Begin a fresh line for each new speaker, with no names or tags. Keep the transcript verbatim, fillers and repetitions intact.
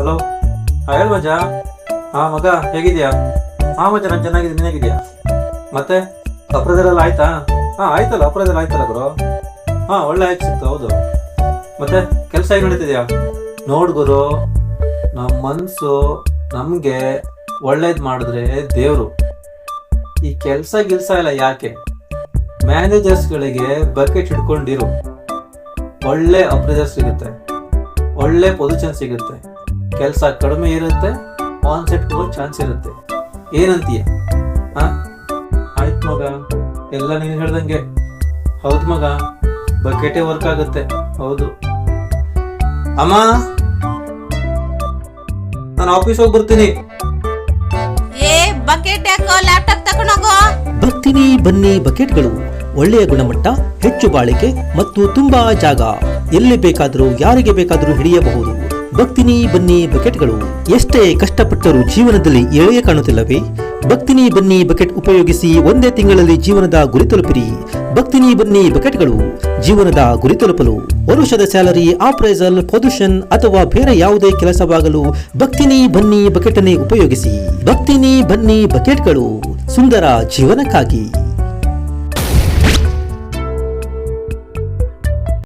Hello. ಹಾಂ ಹೇಳು ಮಜ. ಹಾಂ ಮಗ ಹೇಗಿದ್ಯಾ? ಹಾಂ ಮಜ ನಾನು ಚೆನ್ನಾಗಿದ್ದೀನಿ, ನೀನು ಹೇಗಿದ್ಯಾ? ಮತ್ತೆ ಅಪ್ರದೆಲ್ಲ ಆಯ್ತಾ? ಹಾಂ ಆಯ್ತಲ್ಲ, ಅಪ್ರದೆಲ್ಲ ಆಯ್ತಲ್ಲ ಗುರು. ಹಾಂ ಒಳ್ಳೆ ಆಯ್ತು ಸಿಕ್ತು, ಹೌದು. ಮತ್ತೆ ಕೆಲಸ ಹೇಗೆ ನಡೀತಿದ್ಯಾ? ನೋಡು ಗುರು, ನಮ್ಮ ಮನಸ್ಸು ನಮಗೆ ಒಳ್ಳೇದು ಮಾಡಿದ್ರೆ ದೇವರು. ಈ ಕೆಲಸ ಗಿಲ್ಸ ಎಲ್ಲ ಯಾಕೆ? ಮ್ಯಾನೇಜರ್ಸ್ಗಳಿಗೆ ಬಕೆಟ್ ಹಿಡ್ಕೊಂಡಿರು, ಒಳ್ಳೆ ಅಪ್ರೈಸರ್ ಸಿಗುತ್ತೆ, ಒಳ್ಳೆ ಪೊಸಿಷನ್ ಸಿಗುತ್ತೆ, ಕೆಲಸ ಕಡಿಮೆ ಇರುತ್ತೆ, ಆನ್ ಸೆಟ್ ಹೋಗೋ ಚಾನ್ಸ್ ಇರುತ್ತೆ. ಏನಂತೀಯ? ಹಾಂ ಆಯ್ತು ಮಗ, ಎಲ್ಲ ನೀನು ಹೇಳ್ದಂಗೆ. ಹೌದು ಮಗ, ಬಕೆಟೇ ವರ್ಕ್ ಆಗುತ್ತೆ. ಹೌದು ಅಮ್ಮ, ನಾನು ಆಫೀಸ್ ಹೋಗಿ ಬರ್ತೀನಿ.
ಏ ಬಕೆಟ್ ಯಾಕೋ, ಲ್ಯಾಪ್ಟಾಪ್ ತಗೊಂಡೋಗೋ.
ಬರ್ತೀನಿ ಬನ್ನಿ ಬಕೆಟ್ಗಳು ಒಳ್ಳೆಯ ಗುಣಮಟ್ಟ, ಹೆಚ್ಚು ಬಾಳಿಕೆ ಮತ್ತು ತುಂಬಾ ಜಾಗ. ಎಲ್ಲಿ ಬೇಕಾದರೂ ಯಾರಿಗೆ ಬೇಕಾದರೂ ಹಿಡಿಯಬಹುದು. ಬರ್ತೀನಿ ಬನ್ನಿ ಬಕೆಟ್ಗಳು. ಎಷ್ಟೇ ಕಷ್ಟಪಟ್ಟರೂ ಜೀವನದಲ್ಲಿ ಏಳೇ ಕಾಣುತ್ತಿಲ್ಲವೇ? ಬರ್ತೀನಿ ಬನ್ನಿ ಬಕೆಟ್ ಉಪಯೋಗಿಸಿ ಒಂದೇ ತಿಂಗಳಲ್ಲಿ ಜೀವನದ ಗುರಿ ತಲುಪಿರಿ. ಬರ್ತೀನಿ ಬನ್ನಿ ಬಕೆಟ್ಗಳು ಜೀವನದ ಗುರಿ ತಲುಪಲು ವರುಷದ ಸ್ಯಾಲರಿ, ಆಪ್ರೈಸಲ್, ಪೊಸಿಷನ್ ಅಥವಾ ಬೇರೆ ಯಾವುದೇ ಕೆಲಸವಾಗಲು ಬರ್ತೀನಿ ಬನ್ನಿ ಬಕೆಟ್ ಅನ್ನೇ ಉಪಯೋಗಿಸಿ. ಬರ್ತೀನಿ ಬನ್ನಿ ಬಕೆಟ್ಗಳು ಸುಂದರ ಜೀವನಕ್ಕಾಗಿ.